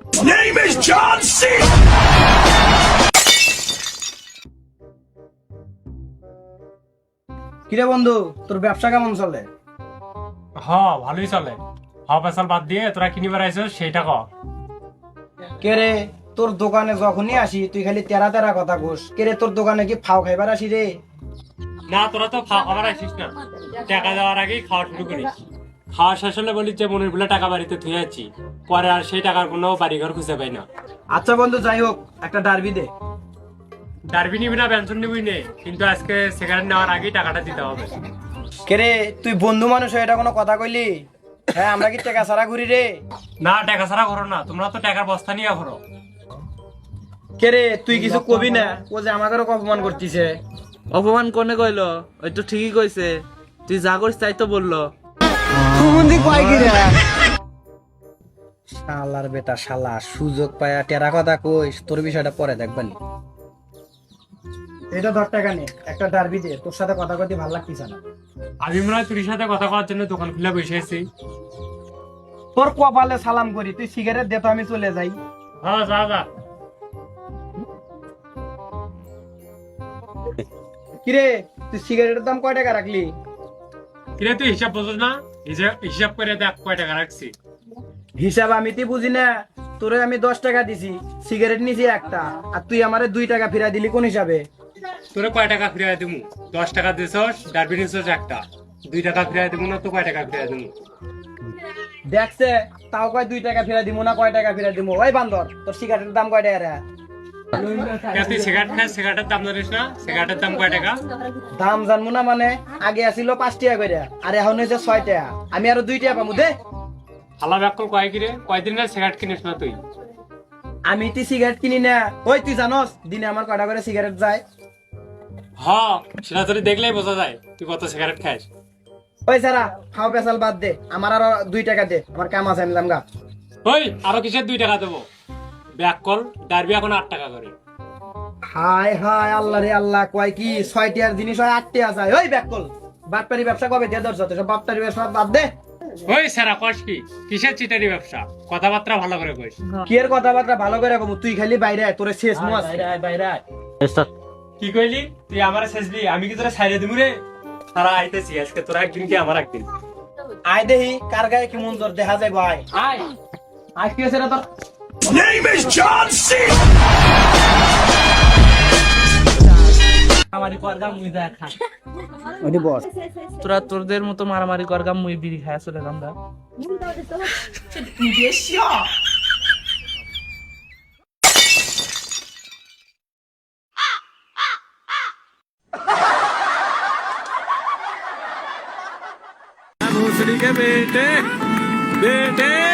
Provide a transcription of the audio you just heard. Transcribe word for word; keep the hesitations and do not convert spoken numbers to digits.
Name is John C. কিরে বন্ধু, তোর ব্যবসা কেমন চলে? হ ভালোই চলে। হ পেশাল বাদ দিয়ে তোরা কিনিবার আইছিস সেইটা কর। কে রে, তোর দোকানে যখনই আসি তুই খালি তেরা তেরা কথা কোস। কে রে, তোর দোকানে কি ফাও খাইবার আসি রে? না তোরা তো খাওয়া খাবার আসিস না, টাকা দেওয়ার আগেই খাওয়া শুরু করিস। খাওয়া শেষ হলে বলিস যে মনের ভুলে টাকা বাড়িতে থুয়ে যাচ্ছি, পরে আর সেই টাকার কোনো বাড়িঘর খুঁজে পাই না। আচ্ছা বন্ধু, যাই হোক, একটা ডারবি দে। ডারবি নিবি না ব্যঞ্জন নিবি নে, কিন্তু আজকে সিগারেট নেওয়ার আগেই টাকাটা দিতে হবে। কে রে, তুই বন্ধু মানুষ হয়ে এটা কোনো কথা কইলি? হ্যাঁ, আমরা কি টাকা ছাড়া ঘুরি রে? না টাকা ছাড়া করো না, তোমরা তো টাকার বস্তা নিয়ে ঘোরো। কে রে, তুই কিছু কবি না? ও যে আমাদেরও অপমান করতিছে। অপমান কোনে কইলো? ওই তো ঠিকই কইছে, তুই যা করিস তাই তো বললো। শালার বেটা শালা, সুযোগ পায়া টেরা কথা কইস, তোর বিষয়টা পরে দেখবানি। এটা ধর টাকা নে, একটা ডারবি দে, তোর সাথে কথা কইতে ভালো লাগতিছে না। আমি মনে হয় তোর সাথে কথা কওয়ার জন্য দোকান খুলে বসে আছি। তোর কপালে সালাম করি, তুই সিগারেট দে তো আমি চলে যাই। হ্যাঁ যা যা। কিরে, তুই সিগারেটের দাম কয় টাকা রাখলি? কিরে তুই হিসাব বোঝস না? হিসাব হিসাব করে দেখ কয় টাকা রাখছি। হিসাব আমি তুই বুঝি না। তোরে আমি দশ টাকা দিছি, সিগারেট নিছি একটা, আর তুই আমারে দুই টাকা ফিরাই দিলি কোন হিসাবে? তোরে কয় টাকা ফিরাই দিমু? দশ টাকা দিছস, ডারবি নিছস একটা, দুই টাকা ফিরাই দিমু না তো কয় টাকা ফিরাই দিমু? দেখছে, তাও কয় দুই টাকা ফিরাই দিমু না কয় টাকা ফিরাই দিমু। ওই বান্দর, তোর সিগারেটের দাম কয় টাকা রে? কে তুই সিগারেট খাস, সিগারেটের দাম জানিস না? সিগারেটের দাম কয় টাকা? দাম জানবো না মানে? আগে আসিল পাঁচ টাকা করে, আর এখন হয়েছে ছয় টাকা। আমি আরো দুই টাকা পাবো দে। হালা ব্যাকল কয় কিরে, কয়দিন না সিগারেট কিনিস না তুই? আমি তুই সিগারেট কিনি না। ওই তুই জানোস দিনে আমার কয়টা করে সিগারেট যায়? হ সেটা তোর দেখলেই বোঝা যায় তুই কত সিগারেট খাস। ওই সারা, খাও পেশাল বাদ দে, আমার আরো দুই টাকা দে, আমার কাম আছে, আমি জামগা। ওই আরো কিসের দুই টাকা দেবো? ব্যাকল ডারবি এখন আট টাকা করে। হায় হায়, আল্লাহ রে আল্লাহ, কয় কি ছয় টাকার জিনিস হয় আট টাকা যায়? ওই ব্যাকল, বাটপারি ব্যবসা কবে দিয়ে ধরছ? তো সব বাটপারি ব্যবসা বাদ দে। ওই সারা কস কি, কিসের চিটারি ব্যবসা? কথাবার্তা ভালো করে কইস। কি এর কথাবার্তা ভালো করে কম? তুই খালি বাইরে আয়, তোরে শেষ মাস। কি কইলি তুই? আমার শেষবি? আমি কি তোরা ছাইরে দিমু রে? সারা আইতেছি আজকে, তোরা একদিন কি আমার একদিন। আয় দেহি কার গায়ে কি মন তোর দেখা যায় ভাই। আয় আয়, কি আছে রে তোর? Name is John C. মারামারি করগাম মুই যা খা। ওইটি বস। তোরা তোরদের মতো মারামারি করগাম মুই বিড়ি খায় চলে আমরা। भोसड़ी के बेटे बेटे